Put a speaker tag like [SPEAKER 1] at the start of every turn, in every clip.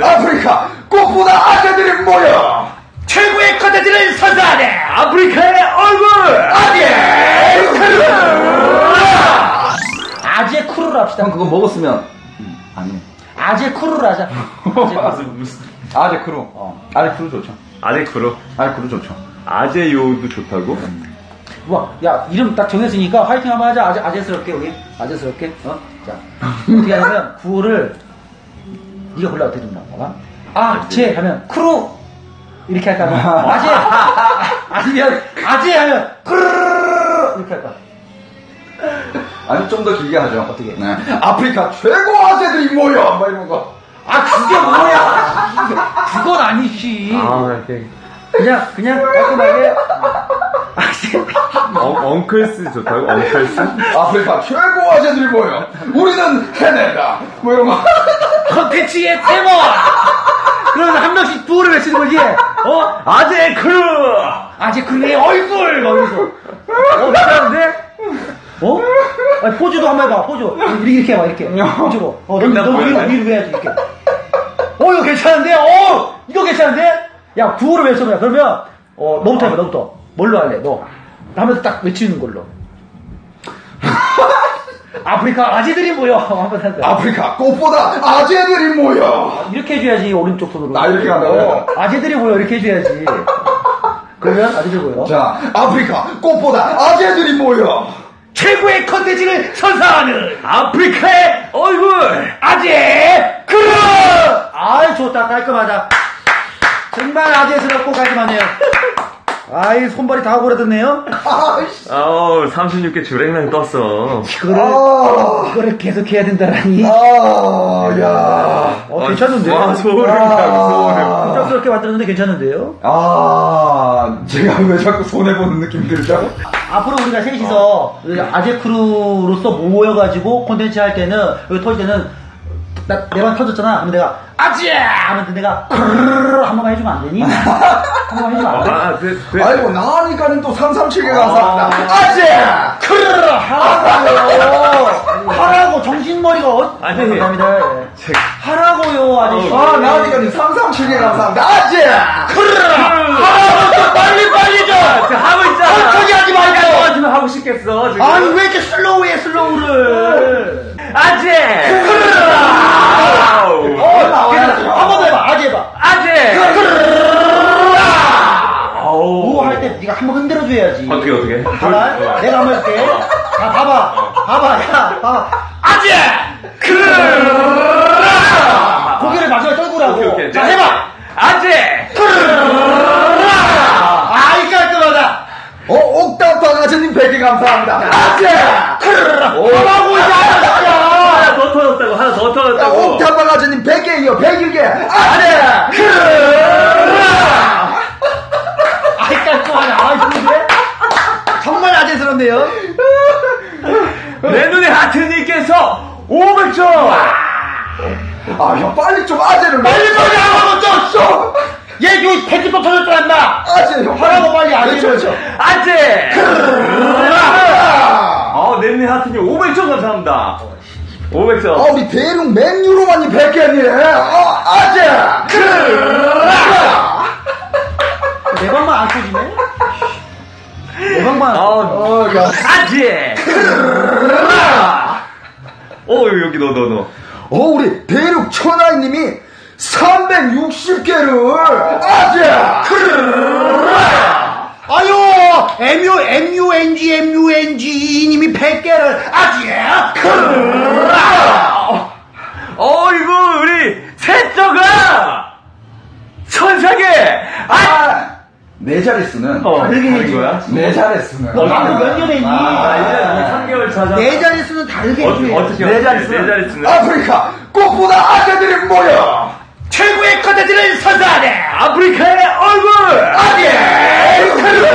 [SPEAKER 1] 아프리카 꽃보다 아재들이 모여 최고의 컨텐츠를 선사하네. 아프리카의 얼굴
[SPEAKER 2] 아재 크루를 합시다.
[SPEAKER 1] 형 그거 먹었으면 아니네.
[SPEAKER 2] 아재 크루를 하자.
[SPEAKER 1] 아재 크루. 아재 크루 좋죠.
[SPEAKER 3] 아재 크루.
[SPEAKER 1] 아재 크루 좋죠.
[SPEAKER 3] 아재 요도 좋다고?
[SPEAKER 2] 와, 야, 이름 딱 정했으니까 화이팅 한번 하자. 아재스럽게, 우리. 아재스럽게. 자. 어떻게 하냐면, 구호를, 네가 골라 어떻게 좀 나와? 아재 하면, 크루! 이렇게 할까? 아재! 아니면, 아재 하면, 크르르르! 이렇게 할까?
[SPEAKER 1] 아니 좀 더 길게 하죠.
[SPEAKER 2] 어떻게?
[SPEAKER 1] 네. 아프리카 최고 아재들이 모여 막 이런 거.
[SPEAKER 2] 아, 그게 뭐야! 그건 아니지.
[SPEAKER 3] 이렇게.
[SPEAKER 2] 그냥 깔끔하게.
[SPEAKER 3] 엉클스 좋다고? 엉클스?
[SPEAKER 1] 아프리카 최고 아재들이 모여 우리는 해낸다 뭐 이런 거.
[SPEAKER 2] 컨텐츠의 테마! 그러면 한 명씩 구호를 외치는 거지.
[SPEAKER 3] 아재 크루!
[SPEAKER 2] 아재 크루의 얼굴! 막 이러면서. 괜찮은데? 아니, 포즈도 한번 해봐, 포즈. 이렇게 해봐, 이렇게. 포즈로. 너 위로 해야지, 이렇게. 이거 괜찮은데? 이거 괜찮은데? 야, 구호를 외쳐봐. 그러면, 너부터 해봐, 너부터. 뭘로 할래, 너? 하면서 딱 외치는 걸로. 아프리카 아재들이 모여. 한번 해봐.
[SPEAKER 1] 아프리카 꽃보다 아재들이 모여.
[SPEAKER 2] 이렇게 해줘야지, 오른쪽 손으로.
[SPEAKER 1] 나 이렇게 간다고요?
[SPEAKER 2] 아재들이 모여, 이렇게 해줘야지. 그러면 아재들 모여.
[SPEAKER 1] 자, 아프리카 꽃보다 아재들이 모여
[SPEAKER 2] 최고의 컨텐츠를 선사하는
[SPEAKER 3] 아프리카의 얼굴!
[SPEAKER 2] 아재 크루! 아이, 좋다. 깔끔하다. 정말 아재스럽고 깔끔하네요. 아이, 손발이 다 오그라들네요.
[SPEAKER 3] 36개 주랭랑 떴어.
[SPEAKER 2] 이거를 계속 해야 된다라니.
[SPEAKER 1] 야.
[SPEAKER 2] 괜찮은데?
[SPEAKER 3] 와, 소름.
[SPEAKER 2] 부담스럽게 만들었는데 괜찮은데요?
[SPEAKER 1] 제가 왜 자꾸 손해보는 느낌이 들죠?
[SPEAKER 2] 앞으로 우리가 셋이서 아재 크루로서 모여가지고 콘텐츠 할 때는, 여기 터질 때는, 내 방 터졌잖아. 그러면 내가, 아재! 하면 내가, 크르르르 한 번만 해주면 안 되니? 한 번만 해주면 안 돼?
[SPEAKER 1] 아이고, 나니까는 또 337개 감사합니다. 아재!
[SPEAKER 2] 크르르르 하라고, 정신머리가 감사합니다. 하라고요, 아저씨.
[SPEAKER 1] 나니까는 337개 감사합니다. 아재!
[SPEAKER 2] 크르르르 하라고, 빨리 좀!
[SPEAKER 3] 하고 있잖아.
[SPEAKER 2] 천천히 하지 말고!
[SPEAKER 3] 지금 하고 싶겠어, 지금.
[SPEAKER 2] 아니, 왜 이렇게 슬로우해, 슬로우를.
[SPEAKER 3] 아재!
[SPEAKER 2] 한 번 더 해봐, 아재 해봐.
[SPEAKER 3] 아재!
[SPEAKER 2] 뭐 할 때 네가 한 번 흔들어줘야지.
[SPEAKER 3] 어떻게?
[SPEAKER 2] 봐봐, 내가 한번 해줄게. 자, 봐봐. 아재! 고개를 마지막에 떨구라고.
[SPEAKER 3] 오케이.
[SPEAKER 2] 자, 해봐.
[SPEAKER 3] 아재!
[SPEAKER 2] 아이, 깔끔하다.
[SPEAKER 1] 옥탑 강아지님 100개 감사합니다. 아재!
[SPEAKER 2] 하라고, 이제
[SPEAKER 3] 하나 더 터졌다고.
[SPEAKER 1] 옥탑 강아지님 100개이요, 101개. 아재!
[SPEAKER 2] 아이, 깔끔하네. 아, 좋은데? 정말 아재스럽네요.
[SPEAKER 3] 내 눈에 하트님께서 500점!
[SPEAKER 1] 형, 빨리 좀 아재를.
[SPEAKER 2] 빨리 하라고, 좀! 얘, 여기 100개 또 터졌잖아, 인마!
[SPEAKER 1] 아재, 형.
[SPEAKER 2] 하라고 빨리 아재를.
[SPEAKER 1] 그렇죠.
[SPEAKER 3] 아재! 내 눈에 하트님 500점 감사합니다. 500점.
[SPEAKER 1] 우리 대륙 맨유로만이 100개니. 아재!
[SPEAKER 2] 내 방만 안 터지네? 내 방만.
[SPEAKER 3] 아재! 여기 너.
[SPEAKER 1] 우리 대륙 천하이님이 360개를 아재!
[SPEAKER 2] 아유, MUNG 님이 100개를 아재!
[SPEAKER 3] 이거 우리 셋째가 천사계!
[SPEAKER 1] 내 자릿수는
[SPEAKER 2] 다르게 해야지.
[SPEAKER 3] 거야?
[SPEAKER 1] 내 자릿수는
[SPEAKER 2] 너 방금 몇 년에 있니?
[SPEAKER 3] 3개월 차잖아.
[SPEAKER 2] 내 자릿수는 다르게 해줘야지.
[SPEAKER 3] 어떻게
[SPEAKER 1] 내 자릿수는?
[SPEAKER 3] 내 자릿수는?
[SPEAKER 1] 아프리카 꽃보다 아재들이 모여
[SPEAKER 2] 최고의 컨텐츠를 선사하네!
[SPEAKER 3] 아프리카의 얼굴!
[SPEAKER 1] 아재!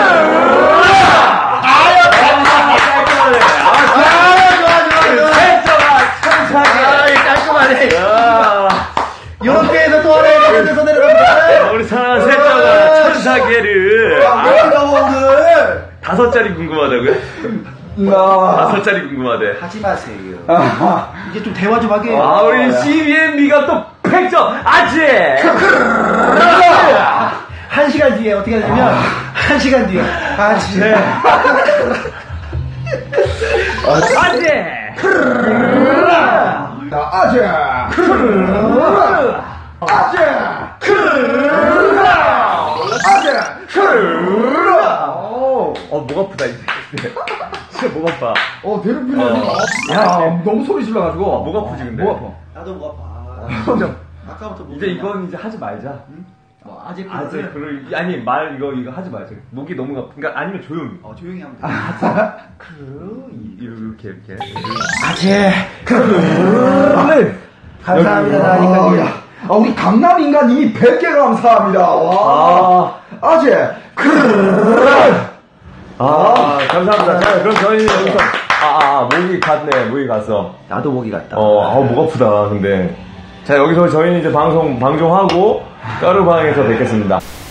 [SPEAKER 2] 좋아.
[SPEAKER 3] 셋째가 천사계!
[SPEAKER 2] 깔끔하네. 이렇게 해서 또 하나의 컨텐츠에서 내려갑니다.
[SPEAKER 3] 우리 사랑하는 셋째가 천사계를
[SPEAKER 2] 오늘
[SPEAKER 3] 5짜리 궁금하다고요? 5짜리 궁금하대.
[SPEAKER 2] 하지 마세요. 이제 좀 대화 좀 하게.
[SPEAKER 3] 우리 CBMB가 또 100 100점 아재.
[SPEAKER 2] 1시간 뒤에 어떻게 되냐면 1시간 뒤에 아재.
[SPEAKER 3] 아재.
[SPEAKER 1] 자, 아재. 아재.
[SPEAKER 3] 목 아프다 이제. 진짜 목 아파.
[SPEAKER 1] 대륙 필요해. 야, 너무 소리 질러가지고.
[SPEAKER 3] 목 아프지 근데.
[SPEAKER 1] 목 아파.
[SPEAKER 2] 나도 목 아파.
[SPEAKER 1] 진짜.
[SPEAKER 2] 아까부터 목
[SPEAKER 3] 이제 이건 이제 하지 말자.
[SPEAKER 2] 아재
[SPEAKER 3] 아재 아니 말 이거 하지 말자. 목이 너무 아프. 그러니까 아니면 조용히.
[SPEAKER 2] 조용히 하면 돼.
[SPEAKER 3] 이렇게.
[SPEAKER 2] 아재. 감사합니다. 나니까.
[SPEAKER 1] 우리 강남 인간님이 100개 감사합니다. 와. 아재.
[SPEAKER 3] 감사합니다. 자, 그럼 저희는 여기서 목이 갔네. 목이 갔어.
[SPEAKER 2] 나도 목이 갔다.
[SPEAKER 3] 목 아프다. 근데 자, 여기서 저희는 이제 방송하고 까르방에서 뵙겠습니다.